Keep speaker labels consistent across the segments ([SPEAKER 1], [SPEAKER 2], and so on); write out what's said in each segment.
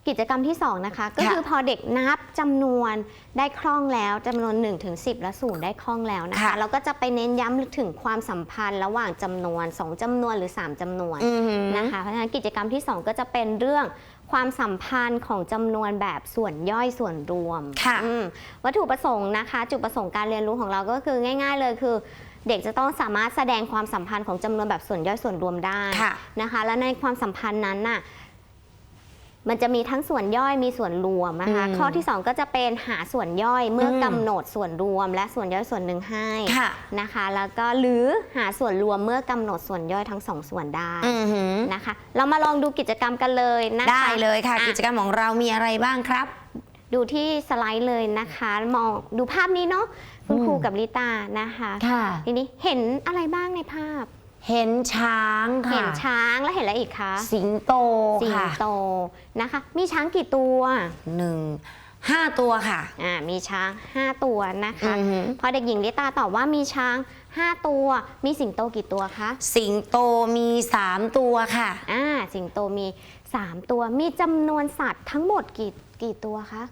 [SPEAKER 1] กิจกรรมที่2นะคะก็คือพอเด็กนับจำนวนได้คล่องแล้วจำนวน1 ถึง 10 และ0ได้คล่องแล้วนะคะเราก็จะไปเน้นย้ำถึงความสัมพันธ์ระหว่างจำนวน2จำนวนหรือ3จำนวนนะคะเพราะฉะนั้นกิจกรรมที่2ก็จะเป็นเรื่องความสัมพันธ์ของจำนวนแบบส่วนย่อยส่วนรวมวัตถุประสงค์นะคะจุดประสงค์การเรียนรู้ของเราก็คือง่ายๆเลยคือเด็กจะต้องสามารถแสดงความสัมพันธ์ของจำนวนแบบส่วนย่อยส่วนรวมได้นะคะและในความสัมพันธ์นั้นน่ะมันจะมีทั้งส่วนย่อยมีส่วนรวมนะคะข้อที่2ก็จะเป็นหาส่วนย่อยเมื่อกำหนดส่วนรวมและส่วนย่อยส่วนหนึ่งให้นะคะแล้วก็หรือหาส่วนรวมเมื่อกำหนดส่วนย่อยทั้ง2ส่วนได้นะคะเรามาลองดูกิจกรรมกันเลยนะคะ
[SPEAKER 2] ได้เลยค่ะกิจกรรมของเรามีอะไรบ้างครับ
[SPEAKER 1] ดูที่สไลด์เลยนะคะมองดูภาพนี้เนาะคุณครูกับลิตานะคะทีนี้เห็นอะไรบ้างในภาพ
[SPEAKER 2] เห็นช้างค่ะ
[SPEAKER 1] เห็นช้างแล้วเห็นอะไรอีกคะ
[SPEAKER 2] สิงโต
[SPEAKER 1] สิงโตนะคะมีช้างกี่ตัว
[SPEAKER 2] 5 ตัวค่ะ
[SPEAKER 1] มีช้าง5ตัวนะคะพอเด็กหญิงลิตาตอบว่ามีช้าง5ตัวมีสิงโตกี่ตัวคะ
[SPEAKER 2] สิงโตมี3ตัวค่ะ
[SPEAKER 1] สิงโตมี3ตัวมีจำนวนสัตว์ทั้งหมดกี่ตัวคะ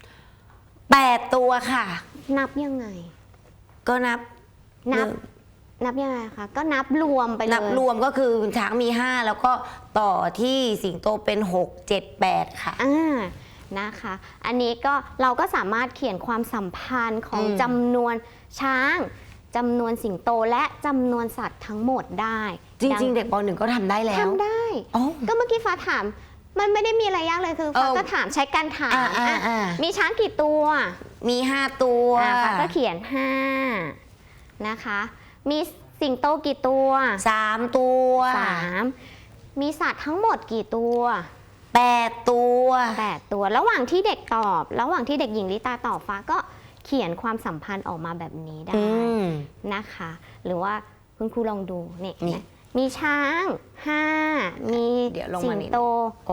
[SPEAKER 2] 8 ตัวค่ะ
[SPEAKER 1] นับยังไง
[SPEAKER 2] ก็นับ
[SPEAKER 1] ยังไงคะก็นับรวมไปเลย
[SPEAKER 2] นับรวมก็คือช้างมี5แล้วก็ต่อที่สิงโตเป็น6 7 8ค่ะ
[SPEAKER 1] นะคะอันนี้ก็เราก็สามารถเขียนความสัมพันธ์ของจำนวนช้างจำนวนสิงโตและจำนวนสัตว์ทั้งหมดได้
[SPEAKER 2] จริงๆเด็กป .1 ก็ทำได้แล้ว
[SPEAKER 1] ทำได้ก็เมื่อกี้ฟ้าถามมันไม่ได้มีอะไรยากเลยคือฟ้าก็ถามใช้การถามมีช้างกี่ตัว
[SPEAKER 2] มี5 ตัว
[SPEAKER 1] ฟ้าก็เขียน5นะคะมีสิงโตกี่ตัว
[SPEAKER 2] 3 ตัว
[SPEAKER 1] มีสัตว์ทั้งหมดกี่ตัว
[SPEAKER 2] 8 ตัว
[SPEAKER 1] ระหว่างที่เด็กตอบระหว่างที่เด็กหญิงลิตาตอบฟ้าก็เขียนความสัมพันธ์ออกมาแบบนี้ได้นะคะหรือว่าคุณครูลองดูนี่มีช้าง5มีสิงโต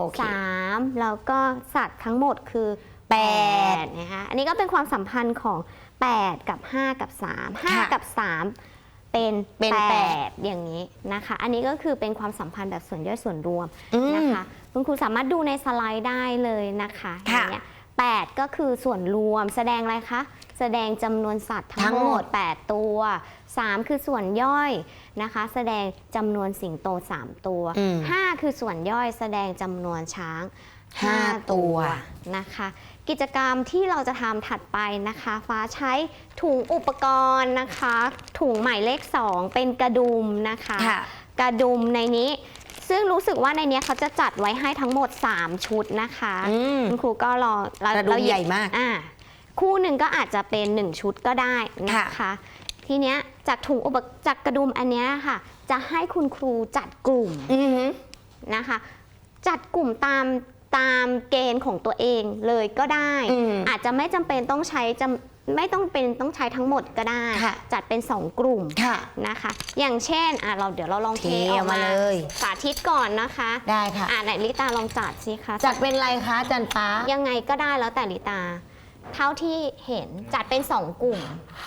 [SPEAKER 1] 3แล้วก็สัตว์ทั้งหมดคือ8นะคะอันนี้ก็เป็นความสัมพันธ์ของ8กับ5กับ3 5กับ3เป็น8อย่างนี้นะคะอันนี้ก็คือเป็นความสัมพันธ์แบบส่วนย่อยส่วนรวมนะคะคุณครูสามารถดูในสไลด์ได้เลยนะคะอย่างเงี้ย8ก็คือส่วนรวมแสดงอะไรคะแสดงจำนวนสัตว์ทั้งหมด8ตัว3คือส่วนย่อยนะคะแสดงจำนวนสิงโต3ตัว5คือส่วนย่อยแสดงจำนวนช้าง5ตัวนะคะกิจกรรมที่เราจะทำถัดไปนะคะฟ้าใช้ถุงอุปกรณ์นะคะถุงหมายเลข2เป็นกระดุมนะคะกระดุมในนี้ซึ่งรู้สึกว่าในนี้เขาจะจัดไว้ให้ทั้งหมด3ชุดนะคะคุณครูก็รอก
[SPEAKER 2] ระดุมใหญ่มาก
[SPEAKER 1] คู่หนึ่งก็อาจจะเป็น1ชุดก็ได้นะคะทีเนี้ยจากถุงจากกระดุมอันนี้ค่ะจะให้คุณครูจัดกลุ่มนะคะจัดกลุ่มตามเกณฑ์ของตัวเองเลยก็ได้อาจจะไม่จำเป็นต้องใช้ไม่ต้องใช้ทั้งหมดก็ได้จัดเป็น2กลุ่มนะคะอย่างเช่นเดี๋ยวเราลองเทออกมาเลยสาธิตก่อนนะคะ
[SPEAKER 2] ได้ค่ะ
[SPEAKER 1] ไหนลิตาลองจัดสิคะ
[SPEAKER 2] จัดเป็นอะไรคะจันฟ้า
[SPEAKER 1] ยังไงก็ได้แล้วแต่ลิตาเท่าที่เห็นจัดเป็น2กลุ่ม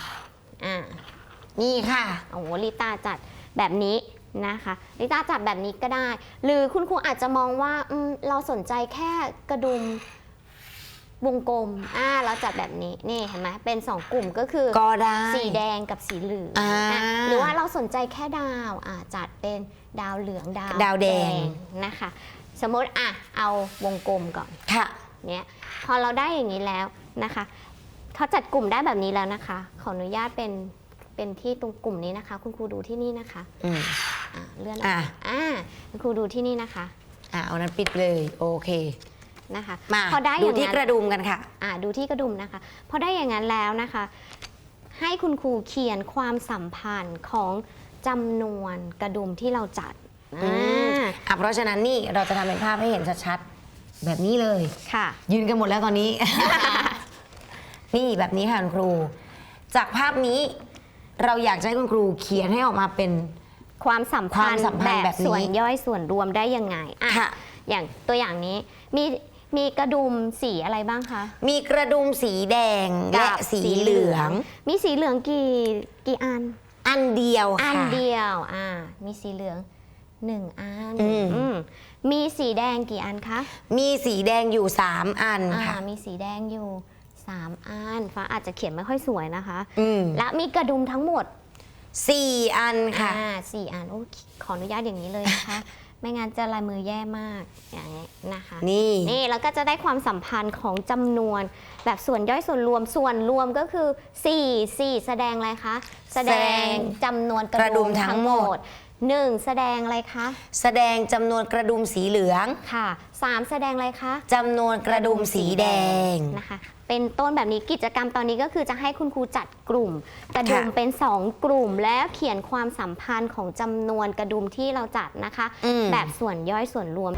[SPEAKER 2] นี่ค่ะ
[SPEAKER 1] โอ้ลิตาจัดแบบนี้นะคะลิตาจัดแบบนี้ก็ได้หรือคุณครูอาจจะมองว่าเราสนใจแค่กระดุมวงกลมเราจัดแบบนี้นี่เห็นไหมเป็น2กลุ่มก็คือ
[SPEAKER 2] ก็ได้
[SPEAKER 1] สีแดงกับสีเหลืองหรือว่าเราสนใจแค่ดาวจัดเป็นดาวเหลืองดาวแดงนะคะสมมติเอาวงกลมก่อนเนี่ยพอเราได้อย่างนี้แล้วนะคะเขาจัดกลุ่มได้แบบนี้แล้วนะคะขออนุญาตเป็นที่ตรงกลุ่มนี้นะคะคุณครูดูที่นี่นะคะเลื่อนคุณครูดูที่นี่นะคะ
[SPEAKER 2] เอานั้นปิดเลยโอเค
[SPEAKER 1] นะคะ
[SPEAKER 2] พอได้ดูที่กระดุมกันค่ะ
[SPEAKER 1] ดูที่กระดุมนะคะพอได้อย่างนั้นแล้วนะคะให้คุณครูเขียนความสัมพันธ์ของจำนวนกระดุมที่เราจัด
[SPEAKER 2] เพราะฉะนั้นนี่เราจะทำเป็นภาพให้เห็นชัดๆแบบนี้เลย
[SPEAKER 1] ค่ะ
[SPEAKER 2] ยืนกันหมดแล้วตอนนี้ นี่แบบนี้ค่ะคุณครูจากภาพนี้เราอยากให้คุณครูเขียนให้ออกมาเป็น
[SPEAKER 1] ความสัมพันธ์แบบส่วนย่อยส่วนรวมได้ยังไงอย่างตัวอย่างนี้มีกระดุมสีอะไรบ้างคะ
[SPEAKER 2] มีกระดุมสีแดงและสีเหลือง
[SPEAKER 1] มีสีเหลืองกี่อัน
[SPEAKER 2] เดียว
[SPEAKER 1] ค่ะอันเดียวมีสีเหลือง 1 อัน
[SPEAKER 2] อืม
[SPEAKER 1] มีสีแดงกี่อันคะ
[SPEAKER 2] มีสีแดงอยู่ 3 อันค่ะ
[SPEAKER 1] มีสีแดงอยู่ 3 อันฟ้าอาจจะเขียนไม่ค่อยสวยนะคะ
[SPEAKER 2] อืม
[SPEAKER 1] และมีกระดุมทั้งหมด
[SPEAKER 2] 4 อันค่ะ
[SPEAKER 1] 4 อันโอ้ขออนุญาตอย่างนี้เลยนะคะ ไม่งั้นจะลายมือแย่มากอย่างนี้นะคะ
[SPEAKER 2] นี่
[SPEAKER 1] แล้วก็จะได้ความสัมพันธ์ของจำนวนแบบส่วนย่อยส่วนรวมก็คือ 4แสดงอะไรคะแสดงจำนวนกระดุมทั้งหมด 1 แสดงอะไรคะ
[SPEAKER 2] แสดงจำนวนกระดุมสีเหลือง
[SPEAKER 1] ค่ะ 3 แสดงอะไรคะ
[SPEAKER 2] จำนวนกระดุมสีแดง
[SPEAKER 1] นะคะเป็นต้นแบบนี้กิจกรรมตอนนี้ก็คือจะให้คุณครูจัดกลุ่ม กระดุม
[SPEAKER 2] ค่ะ
[SPEAKER 1] เป็น 2 กลุ่ม แล้วเขียนความสัมพันธ์ของจำนวนกระดุมที่เราจัดนะคะ
[SPEAKER 2] อืม
[SPEAKER 1] แบบส่วนย่อยส่วนรวม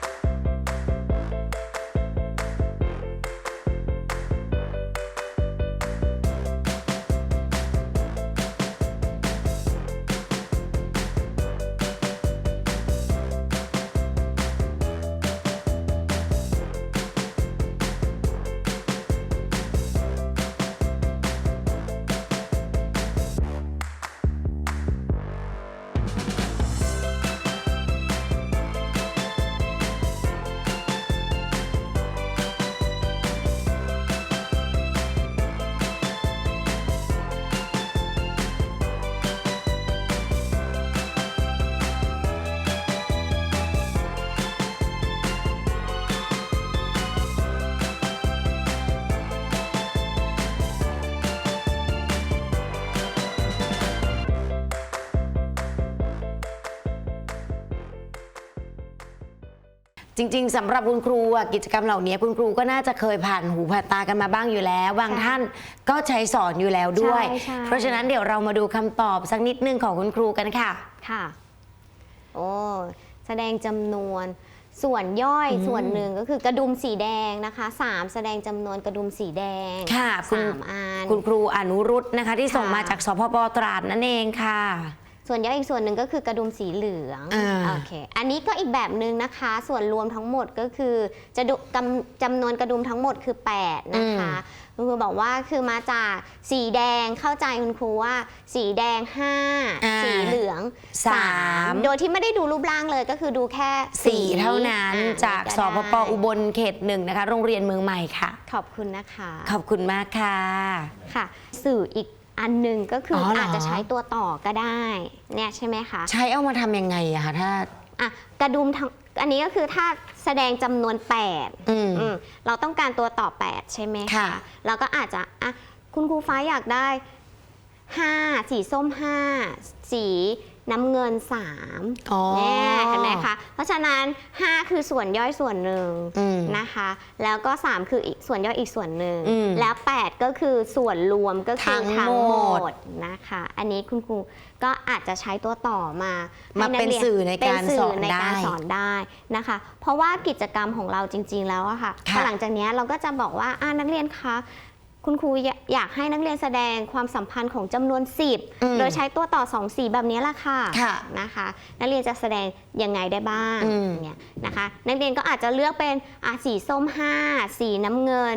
[SPEAKER 2] จริงๆสำหรับคุณครูอะกิจกรรมเหล่านี้คุณครูก็น่าจะเคยผ่านหูผ่านตากันมาบ้างอยู่แล้ว บางท่านก็ใช้สอนอยู่แล้วด้วย
[SPEAKER 1] ใช่
[SPEAKER 2] เพราะฉะนั้นเดี๋ยวเรามาดูคำตอบสักนิดนึงของคุณครูกันค่ะ
[SPEAKER 1] ค่ะโอ้แสดงจำนวนส่วนย่อยส่วนหนึ่งก็คือกระดุมสีแดงนะคะ 3 แสดงจำนวนกระดุมสีแดง
[SPEAKER 2] ค่ะคุณ
[SPEAKER 1] 3 อัน
[SPEAKER 2] คุณครูอนุรุตนะคะ ที่ส่ง
[SPEAKER 1] ค่ะ
[SPEAKER 2] มาจากสพปตราดนั่นเองค่ะ
[SPEAKER 1] ส่วนย่อยอีกส่วนหนึ่งก็คือกระดุมสีเหลือง
[SPEAKER 2] อ่า
[SPEAKER 1] โอเคอันนี้ก็อีกแบบหนึ่งนะคะ ส่วนรวมทั้งหมดก็คือจะดูจำนวนกระดุมทั้งหมดคือ 8 นะคะคุณครูบอกว่าคือมาจากสีแดงเข้าใจคุณครูว่า สีแดง 5 สีเหลือง 3 โดยที่ไม่ได้ดูรูปร่างเลยก็คือดูแค่
[SPEAKER 2] 4 เท่านั้นจากสพปอุบลเขต 1นะคะโรงเรียนเมืองใหม่ค่ะ
[SPEAKER 1] ขอบคุณนะคะ
[SPEAKER 2] ขอบคุณมากค่ะ
[SPEAKER 1] ค่ะ สื่ออีกอันหนึ่งก็คือ
[SPEAKER 2] อเหรอ
[SPEAKER 1] อาจจะใช้ตัวต่อก็ได้เนี่ยใช่ไหมคะ
[SPEAKER 2] ใช้เอามาทำยังไงอะคะถ้า
[SPEAKER 1] อ่ะกระดุมทั้งอันนี้ก็คือถ้าแสดงจำนวน 8
[SPEAKER 2] อืม
[SPEAKER 1] เราต้องการตัวต่อ 8 ใช่ไหม
[SPEAKER 2] ค่ะ
[SPEAKER 1] เราก็อาจจะอ่ะคุณครูฟ้าอยากได้ 5 สีส้ม 5 สีน้ำเงิน 3
[SPEAKER 2] อ๋อ
[SPEAKER 1] เนี่ยเห็นไหมคะ เพราะฉะนั้น 5 คือส่วนย่อยส่วนหนึ่ง
[SPEAKER 2] อืม
[SPEAKER 1] นะคะ แล้วก็ 3 คืออีกส่วนย่อยอีกส่วนหนึ่ง
[SPEAKER 2] อืม
[SPEAKER 1] แล้ว 8 ก็คือส่วนรวมก็คือ
[SPEAKER 2] ทั้งหมด
[SPEAKER 1] นะคะ อันนี้คุณครูก็อาจจะใช้ตัวต่อมา
[SPEAKER 2] มา
[SPEAKER 1] ให้ก
[SPEAKER 2] เป็น
[SPEAKER 1] รีย
[SPEAKER 2] สื่อในการ
[SPEAKER 1] เป็นสื่
[SPEAKER 2] สอน
[SPEAKER 1] ใน
[SPEAKER 2] ได้
[SPEAKER 1] การสอนได้นะคะ เพราะว่ากิจกรรมของเราจริง ๆ แล้วอะค่ะ
[SPEAKER 2] ค่ะ
[SPEAKER 1] หลังจากนี้เราก็จะบอกว่านักเรียนคะคุณครูอยากให้นักเรียนแสดงความสัมพันธ์ของจำนวน 10 โดยใช้ตัวต่อ 2 สีแบบนี้ละค่ะ
[SPEAKER 2] ค่ะ
[SPEAKER 1] นะคะ นักเรียนจะแสดงยังไงได้บ้าง
[SPEAKER 2] อืม
[SPEAKER 1] เนี่ยนะคะ นักเรียนก็อาจจะเลือกเป็นสีส้ม 5 สีน้ำเงิน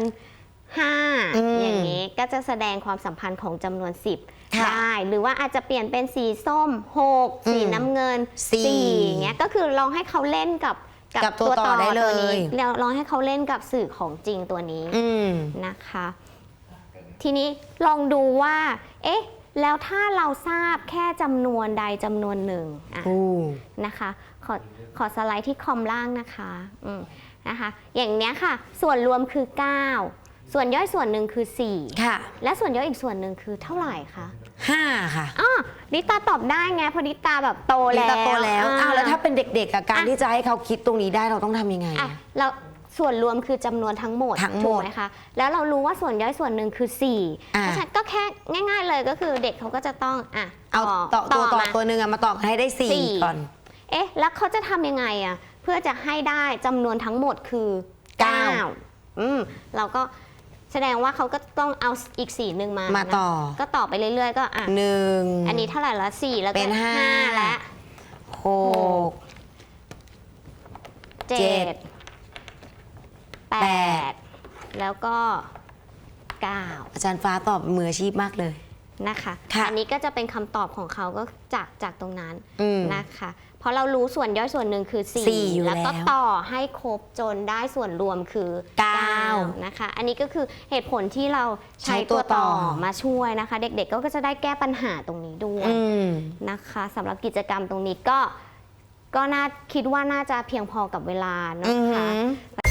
[SPEAKER 1] 5 อย่างนี้ก็จะแสดงความสัมพันธ์ของจำนวน 10
[SPEAKER 2] ค่ะ
[SPEAKER 1] ได้หรือว่าอาจจะเปลี่ยนเป็นสีส้ม 6 สีน้ำเงิน
[SPEAKER 2] สี่
[SPEAKER 1] 4อย่างเงี้ยก็คือลองให้เขาเล่นกับ
[SPEAKER 2] กับตัวต่อได้เลย
[SPEAKER 1] ตัวนี้แล้วลองให้เขาเล่นกับสื่อของจริงตัวนี้
[SPEAKER 2] อืม
[SPEAKER 1] นะคะ ทีนี้ลองดูว่า เอ๊ะ แล้วถ้าเราทราบแค่จำนวนใดจำนวนหนึ่งอ่ะ
[SPEAKER 2] อู้
[SPEAKER 1] นะคะ ขอสไลด์ที่คอมล่างนะคะนะคะ อย่างเนี้ยค่ะ ส่วนรวมคือ 9 ส่วนย่อยส่วนหนึ่งคือ
[SPEAKER 2] ค่ะ
[SPEAKER 1] 4 และส่วนย่อยอีกส่วนหนึ่งคือเท่าไหร่คะ
[SPEAKER 2] 5 ค่ะ
[SPEAKER 1] ลิตาตอบได้ไงเพราะลิตาแบบโต
[SPEAKER 2] ลิ
[SPEAKER 1] แล้ว
[SPEAKER 2] ตาโตแล้วอ้าวแล้วถ้าเป็นเด็กๆอะการ
[SPEAKER 1] อ่ะ
[SPEAKER 2] ที่จะให้เขาคิดตรงนี้ได้เราต้องทำยังไง
[SPEAKER 1] อ่ะ
[SPEAKER 2] อะ
[SPEAKER 1] เราส่วนรวมคือจำนวนทั้งหมด
[SPEAKER 2] ทั้งหมด
[SPEAKER 1] ถูกไหมคะแล้วเรารู้ว่าส่วนย่อยส่วนหนึ่งคือ 4 เพราะฉะนั้นก็แค่ง่าย ๆเลยก็คือเด็กเขาก็จะต้อง
[SPEAKER 2] เอาต่อตัวต่อ
[SPEAKER 1] มา
[SPEAKER 2] ตัวหนึ่งอะมาต่อกันให้ได้
[SPEAKER 1] สี่
[SPEAKER 2] 4 ก่อน
[SPEAKER 1] เอ๊ะแล้วเขาจะทำยังไงอะเพื่อจะให้ได้จำนวนทั้งหมดคือ 9เราก็แสดงว่าเขาก็ต้องเอาอีกสีหนึ่งมา
[SPEAKER 2] มาต่อ
[SPEAKER 1] นะก็ต่อไปเรื่อยๆ ก็
[SPEAKER 2] 1
[SPEAKER 1] อันนี้เท่าไหร่ละ4แล้วก็
[SPEAKER 2] เป็นห้า
[SPEAKER 1] 5และ
[SPEAKER 2] 6
[SPEAKER 1] 7 8 แล้วก็ 9
[SPEAKER 2] อาจารย์ฟ้าตอบมืออาชีพมากเลย
[SPEAKER 1] นะคะ
[SPEAKER 2] ค่ะ
[SPEAKER 1] อันนี้ก็จะเป็นคำตอบของเขาก็จากตรงนั้น
[SPEAKER 2] อืม
[SPEAKER 1] นะคะเพราะเรารู้ส่วนย่อยส่วนหนึ่งคือ
[SPEAKER 2] 4 อยู่
[SPEAKER 1] แล้วก็
[SPEAKER 2] แล้ว
[SPEAKER 1] ต่อให้ครบจนได้ส่วนรวมคือ
[SPEAKER 2] 9
[SPEAKER 1] นะคะอันนี้ก็คือเหตุผลที่เราใช้
[SPEAKER 2] ใช้ตั
[SPEAKER 1] ตัว ว
[SPEAKER 2] ต่
[SPEAKER 1] ต่
[SPEAKER 2] อ
[SPEAKER 1] อมาช่วยนะคะ เด็กๆก็จะได้แก้ปัญหาตรงนี้ด้วย
[SPEAKER 2] อืม
[SPEAKER 1] นะคะสำหรับกิจกรรมตรงนี้ก็น่าคิดว่าน่าจะเพียงพอกับเวลา
[SPEAKER 2] อื
[SPEAKER 1] นะคะ
[SPEAKER 2] ม